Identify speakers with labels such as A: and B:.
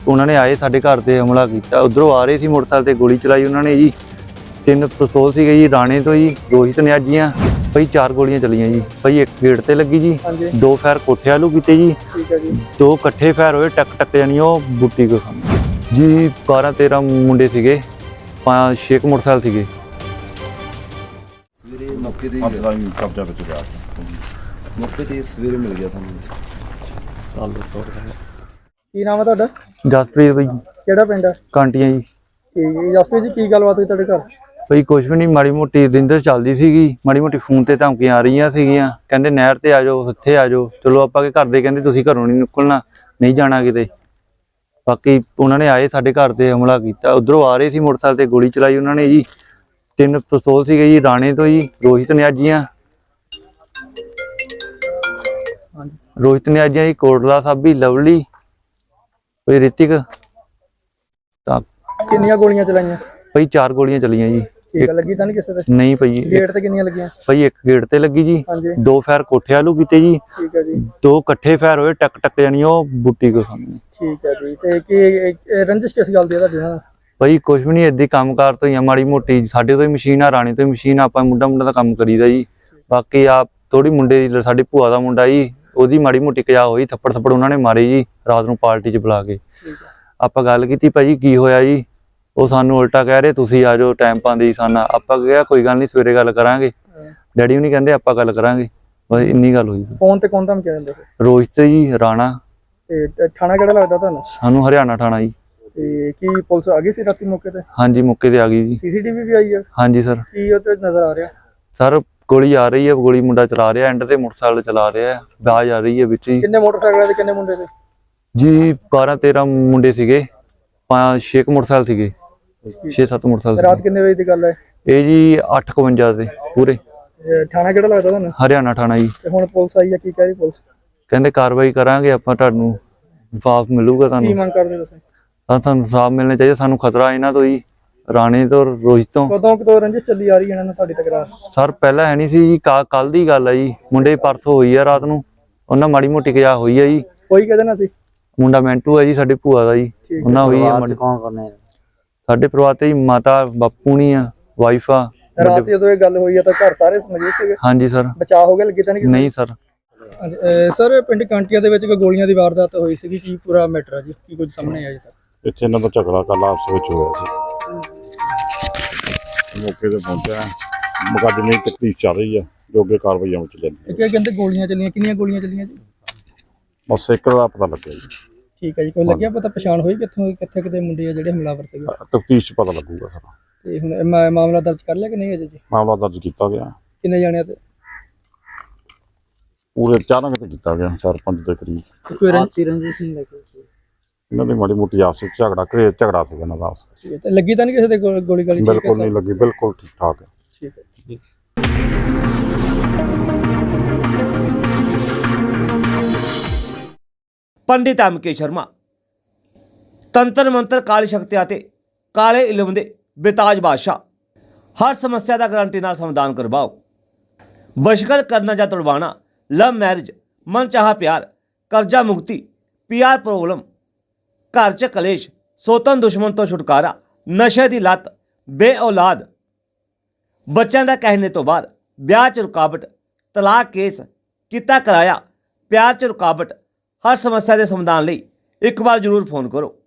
A: उन्होंने आए साडे घर ते हमला किया। उधरों आ रहे सी मोटरसाइकिल ते गोली चलाई उन्होंने जी। 3 पिस्तौल सीगे जी राणे तो जी रोहित न्याजियां भाई 4 गोलियां चलियां जी भाई। एक गेट ते लगी जी, 2 फायर कोठे वालू कीते जी, 2 कट्ठे फायर होए टक टक जानी ओ बूटी को सामने जी। 12-13 मुंडे सीगे, 5-6 मोटरसाइकिल सीगे।
B: ਸਵੇਰੇ ਮੌਕੇ ਤੇ ਕਬਜ਼ਾ ਵਿੱਚ ਗਿਆ ਮੌਕੇ ਤੇ ਸਵੇਰੇ ਮਿਲ ਗਿਆ ਸਾਨੂੰ।
C: ਕੀ ਨਾਮ ਹੈ ਤੁਹਾਡਾ?
A: ਜਸਪ੍ਰੀਤ ਭਾਈ,
C: ਕਿਹੜਾ ਪਿੰਡ ਹੈ?
A: ਕਾਂਟੀਆਂ ਜੀ।
C: ਠੀਕ ਹੈ ਜਸਪ੍ਰੀਤ ਜੀ, ਕੀ ਗੱਲਬਾਤ ਹੋਈ ਤੁਹਾਡੇ ਘਰ?
A: ਭਾਈ ਕੁਛ ਵੀ ਨਹੀਂ, ਮਾੜੀ ਮੋਟੀ ਰਿੰਦਰ ਚੱਲਦੀ ਸੀਗੀ, ਮਾੜੀ ਮੋਟੀ ਫੋਨ ਤੇ ਧਮਕੀਆਂ ਆ ਰਹੀਆਂ ਸੀਗੀਆਂ, ਕਹਿੰਦੇ ਨਹਿਰ ਤੇ ਆ ਜਾਓ, ਇੱਥੇ ਆ ਜਾਓ। ਚਲੋ ਆਪਾਂ ਕੇ ਘਰ ਦੇ ਕਹਿੰਦੇ ਤੁਸੀਂ ਘਰੋਂ ਨਹੀਂ ਨਿਕਲਣਾ, ਨਹੀਂ ਜਾਣਾ ਕਿਤੇ। ਬਾਕੀ ਉਹਨਾਂ ਨੇ ਆਏ ਸਾਡੇ ਘਰ ਤੇ ਹਮਲਾ ਕੀਤਾ। ਉਧਰੋਂ ਆ ਰਹੇ ਸੀ ਮੋਟਰਸਾਈਕਲ ਤੇ ਗੋਲੀ ਚਲਾਈ ਉਹਨਾਂ ਨੇ ਜੀ। 3 ਪਿਸਤੌਲ ਸੀਗੇ ਜੀ ਰਾਣੇ ਤੋਂ ਜੀ, ਰੋਹਿਤ ਨਿਆਜੀਆਂ ਜੀ, ਕੋਟਲਾ ਸਾਬੀ, ਲਵਲੀ, ਕੋਈ ਰਿਤਿਕ। ਤਾਂ
C: ਕਿੰਨੀਆਂ ਗੋਲੀਆਂ ਚਲਾਈਆਂ?
A: ਭਾਈ 4 ਗੋਲੀਆਂ ਚਲੀਆਂ ਜੀ।
C: ਠੀਕ ਹੈ, ਲੱਗੀ ਤਾਂ ਨਹੀਂ ਕਿਸੇ ਤੇ?
A: ਨਹੀਂ ਭਾਈ।
C: ਗੇਟ ਤੇ ਕਿੰਨੀਆਂ ਲੱਗੀਆਂ?
A: ਭਾਈ ਇੱਕ ਗੇਟ ਤੇ ਲੱਗੀ ਜੀ,
C: ਹਾਂਜੀ
A: 2 ਫਾਇਰ ਕੋਠੇ ਵਾਲੂ ਕੀਤੇ ਜੀ,
C: ਠੀਕ ਹੈ ਜੀ।
A: 2 ਇਕੱਠੇ ਫਾਇਰ ਹੋਏ ਟਕ ਟਕ ਜਾਨੀ ਉਹ ਬੂਟੀ ਕੋ ਸਾਹਮਣੇ।
C: ਠੀਕ ਹੈ ਜੀ। ਤੇ ਕੀ ਰੰਜਿਸ਼ ਕਿਸ ਗੱਲ ਦੀ ਹੈ ਤੁਹਾਡੀ ਨਾਲ?
A: ਭਾਈ ਕੁਛ ਵੀ ਨਹੀਂ, ਏਦਾਂ ਕੰਮਕਾਰ ਤੋਂ ਹੀ ਆ, ਮਾੜੀ ਮੋਟੀ ਸਾਡੇ ਤੋਂ ਹੀ ਮਸ਼ੀਨ ਆ, ਰਾਣੀ ਤੋਂ ਹੀ ਮਸ਼ੀਨ, ਆਪਾਂ ਮੁੰਡਾ ਦਾ ਕੰਮ ਕਰੀਦਾ ਜੀ। ਬਾਕੀ ਆ ਥੋੜੀ ਮੁੰਡੇ ਦੀ, ਸਾਡੀ ਭੂਆ ਦਾ ਮੁੰਡਾ ਜੀ, ਉਹਦੀ ਮਾੜੀ ਮੋਟੀ ਕਜਾ ਹੋਈ, ਥੱਪੜ ਉਹਨਾਂ ਨੇ ਮਾਰੇ ਜੀ ਰਾਤ ਨੂੰ ਪਾਰਟੀ 'ਚ ਬੁਲਾ ਕੇ। ਆਪਾਂ ਗੱਲ ਕੀਤੀ ਭਾਜੀ ਕੀ ਹੋਇਆ ਜੀ, ਉਹ ਸਾਨੂੰ ਉਲਟਾ ਕਹਿ ਰਹੇ ਤੁਸੀਂ ਆ ਜਾਓ, ਟਾਈਮ ਪਾਉਂਦੇ ਜੀ ਸਾਨਾ। ਆਪਾਂ ਕਿਹਾ ਕੋਈ ਗੱਲ ਨਹੀਂ ਸਵੇਰੇ ਗੱਲ ਕਰਾਂਗੇ। ਡੈਡੀ ਵੀ ਨਹੀਂ ਕਹਿੰਦੇ ਆਪਾਂ ਗੱਲ ਕਰਾਂਗੇ, ਬਸ ਇੰਨੀ ਗੱਲ ਹੋਈ।
C: ਫੋਨ ਤੇ ਕੌਣ ਧਮਕੀ ਦਿੰਦੇ ਸੀ?
A: ਰੋਹਿਤ ਜੀ, ਰਾਣਾ।
C: ਤੇ ਥਾਣਾ ਕਿਹੜਾ ਲੱਗਦਾ ਤੁਹਾਨੂੰ?
A: ਸਾਨੂੰ ਹਰਿਆਣਾ ਥਾਣਾ ਜੀ।
C: ਤੇ ਕੀ ਪੁਲਿਸ ਆ ਗਈ ਸੀ ਰਾਤੀ ਮੌਕੇ ਤੇ?
A: ਹਾਂਜੀ ਮੌਕੇ ਤੇ ਆ ਗਈ ਜੀ।
C: ਸੀਸੀਟੀਵੀ ਵੀ ਆਈ ਹੈ?
A: ਹਾਂਜੀ ਸਰ।
C: ਕੀ ਉਹ ਤੇ ਨਜ਼ਰ ਆ ਰਿਹਾ?
A: ਸਰ ਗੋਲੀ ਆ ਰਹੀ ਹੈ, ਗੋਲੀ ਮੁੰਡਾ ਚਲਾ ਰਿਹਾ, ਐਂਡ ਤੇ ਮੋਟਰਸਾਈਕਲ ਚਲਾ ਰਿਹਾ, ਆਵਾਜ਼ ਆ ਰਹੀ ਹੈ ਵਿੱਚ ਹੀ।
C: ਕਿੰਨੇ ਮੋਟਰਸਾਈਕਲ ਤੇ ਕਿੰਨੇ ਮੁੰਡੇ ਸੀ
A: ਜੀ? 12-13 ਮੁੰਡੇ ਸੀਗੇ, 5-6 ਮੋਟਰਸਾਈਕਲ ਸੀਗੇ, 6-7 ਮੋਟਰਸਾਈਕਲ।
C: ਰਾਤ ਕਿੰਨੇ ਵਜੇ ਦੀ ਗੱਲ ਹੈ
A: ਇਹ ਜੀ? 8:52 ਦੇ ਪੂਰੇ।
C: ਥਾਣਾ ਕਿਹੜਾ ਲੱਗਦਾ ਤੁਹਾਨੂੰ?
A: ਹਰਿਆਣਾ ਥਾਣਾ ਜੀ।
C: ਤੇ ਹੁਣ ਪੁਲਿਸ ਆਈ ਹੈ, ਕੀ ਕਹਿ ਰਹੀ ਪੁਲਿਸ?
A: ਕਹਿੰਦੇ ਕਾਰਵਾਈ ਕਰਾਂਗੇ ਆਪਾਂ, ਤੁਹਾਨੂੰ ਇਨਸਾਫ ਮਿਲੂਗਾ।
C: ਕੀ
A: ਤੁਹਾਨੂੰ
C: ਮੰਗ ਕਰਦੇ ਤੁਸੀਂ?
A: ਤੁਹਾਨੂੰ ਇਨਸਾਫ ਮਿਲਣਾ ਚਾਹੀਦਾ, ਸਾਨੂੰ ਖਤਰਾ ਇਹਨਾਂ ਤੋਂ ਜੀ, ਰਾਣੇ ਤੋਂ, ਰੋਹਿਤ ਤੋਂ।
C: ਕਦੋਂ ਰੰਜਿਸ਼ ਚੱਲੀ ਆ ਰਹੀ ਹੈ ਇਹਨਾਂ ਨਾਲ ਤੁਹਾਡੀ ਤਕਰਾਰ?
A: ਸਰ ਪਹਿਲਾਂ ਹੈ ਨਹੀਂ ਸੀ ਜੀ, ਕੱਲ ਦੀ ਗੱਲ ਹੈ ਜੀ। ਮੁੰਡੇ ਪਰਸੋਂ ਹੋਈ ਆ ਰਾਤ ਨੂੰ, ਉਹਨਾਂ ਮਾੜੀ ਮੋਟੀ ਕਜਾ ਹੋਈ ਆ ਜੀ।
C: ਕੋਈ ਕਹਿੰਦੇ ਨਾ ਸੀ?
A: ਮੁੰਡਾ ਮੈਂਟੂ ਹੈ ਜੀ, ਸਾਡੇ ਭੂਆ ਦਾ ਜੀ, ਉਹਨਾਂ ਹੋਈ ਆ। ਸਾਡੇ ਪਰਿਵਾਰ ਤੇ ਜੀ ਮਾਤਾ ਬਾਪੂ ਨਹੀਂ ਆ, ਵਾਈਫ ਆ।
C: ਰਾਤ ਜਦੋਂ ਇਹ ਗੱਲ ਹੋਈ ਆ ਤਾਂ ਘਰ ਸਾਰੇ ਮੌਜੂਦ ਸੀਗੇ?
A: ਹਾਂਜੀ ਸਰ।
C: ਬਚਾਅ ਹੋ ਗਿਆ, ਲੱਗੀ ਤਾਂ ਨਹੀਂ?
A: ਨਹੀਂ ਸਰ।
C: ਸਰ ਪਿੰਡ ਕਾਂਟੀਆਂ ਦੇ ਵਿੱਚ ਕੋਈ ਗੋਲੀਆਂ ਦੀ ਵਾਰਦਾਤ ਹੋਈ ਸੀਗੀ, ਕੀ ਪੂਰਾ ਮੈਟਰ ਹੈ ਜੀ? ਕੀ ਕੁਝ ਸਾਹਮਣੇ ਆਇਆ ਜੀ?
B: ਇੱਥੇ ਇਹਨਾਂ ਦਾ ਝਗੜਾ ਕੱਲ ਆਪਸ ਵਿੱਚ ਹੋਇਆ ਸੀ, ਮੌਕੇ ਤੇ ਪਹੁੰਚਿਆ, ਮੁਕੱਦਮੇ ਦੀ ਤਫਤੀਸ਼ ਚੱਲ ਰਹੀ ਆ, ਜੋ ਅੱਗੇ ਕਾਰਵਾਈਆਂ ਵਿੱਚ ਲੈਂਦੀ।
C: ਇਹ ਕਹਿੰਦੇ ਗੋਲੀਆਂ ਚੱਲੀਆਂ, ਕਿੰਨੀਆਂ ਗੋਲੀਆਂ ਚੱਲੀਆਂ ਜੀ?
B: ਬਸ ਇੱਕ ਦਾ ਪਤਾ ਲੱਗਿਆ ਜੀ।
C: ਠੀਕ ਹੈ ਜੀ। ਕੋਈ ਲੱਗਿਆ ਪਤਾ, ਪਛਾਣ ਹੋਈ ਕਿੱਥੇ ਕਿਤੇ ਮੁੰਡੇ ਆ ਜਿਹੜੇ ਹਮਲਾਵਰ ਸੀਗੇ?
B: ਤਫਤੀਸ਼ 'ਚ ਪਤਾ ਲੱਗੂਗਾ ਸਾਰਾ।
C: ਤੇ ਹੁਣ ਮਾਮਲਾ ਦਰਜ ਕਰ ਲਿਆ ਕਿ ਨਹੀਂ ਅਜੇ ਜੀ?
B: ਮਾਮਲਾ ਦਰਜ ਕੀਤਾ ਗਿਆ।
C: ਕਿੰਨੇ ਜਾਣਿਆਂ ਤੇ?
B: ਪੂਰੇ 4 ਤੇ ਕੀਤਾ ਗਿਆ, 4-5 ਦੇ ਕਰੀਬ।
C: ਕੋਈ ਰੰਜਿਸ਼ ਨਹੀਂ ਲੱਗੀ?
B: ਇਹਨਾਂ ਦੀ ਮਾੜੀ ਮੋਟੀ ਆਪਸ ਵਿੱਚ ਝਗੜਾ ਸੀਗਾ ਇਹਨਾਂ ਦਾ ਆਪਸ ਵਿੱਚ।
C: ਤੇ ਲੱਗੀ ਤਾਂ ਨਹੀਂ ਕਿਸੇ ਦੇ ਗੋਲੀ ਗਾਲੀ?
B: ਬਿਲਕੁਲ ਨਹੀਂ ਲੱਗੀ, ਬਿਲਕੁਲ ਠੀਕ ਠਾਕ ਹੈ।
C: ਠੀਕ ਹੈ।
D: ਪੰਡਿਤ ਐਮ.ਕੇ. ਸ਼ਰਮਾ ਤੰਤਰ ਮੰਤਰ, ਕਾਲੀ ਸ਼ਕਤੀਆਂ ਅਤੇ ਕਾਲੇ ਇਲਮ ਦੇ ਬੇਤਾਜ ਬਾਦਸ਼ਾਹ। ਹਰ ਸਮੱਸਿਆ ਦਾ ਗਰੰਟੀ ਨਾਲ ਸਮਾਧਾਨ ਕਰਵਾਓ। ਬਸ਼ਕਰ ਕਰਨਾ ਜਾਂ ਤੁੜਵਾਣਾ, ਲਵ ਮੈਰਿਜ, ਮਨ ਚਾਹਾ ਪਿਆਰ, ਕਰਜ਼ਾ ਮੁਕਤੀ, ਪੀਆਰ ਪ੍ਰੋਬਲਮ, ਘਰ 'ਚ ਕਲੇਸ਼, ਸੋਤਨ ਦੁਸ਼ਮਣ ਤੋਂ ਛੁਟਕਾਰਾ, ਨਸ਼ੇ ਦੀ ਲੱਤ, ਬੇ ਔਲਾਦ, ਬੱਚਿਆਂ ਦਾ ਕਹਿਣੇ ਤੋਂ ਬਾਅਦ, ਵਿਆਹ 'ਚ ਰੁਕਾਵਟ, ਤਲਾਕ ਕੇਸ, ਕੀਤਾ ਕਰਾਇਆ, ਪਿਆਰ 'ਚ ਰੁਕਾਵਟ। ਹਰ ਸਮੱਸਿਆ ਦੇ ਸਮਾਧਾਨ ਲਈ ਇੱਕ ਵਾਰ ਜ਼ਰੂਰ ਫੋਨ ਕਰੋ।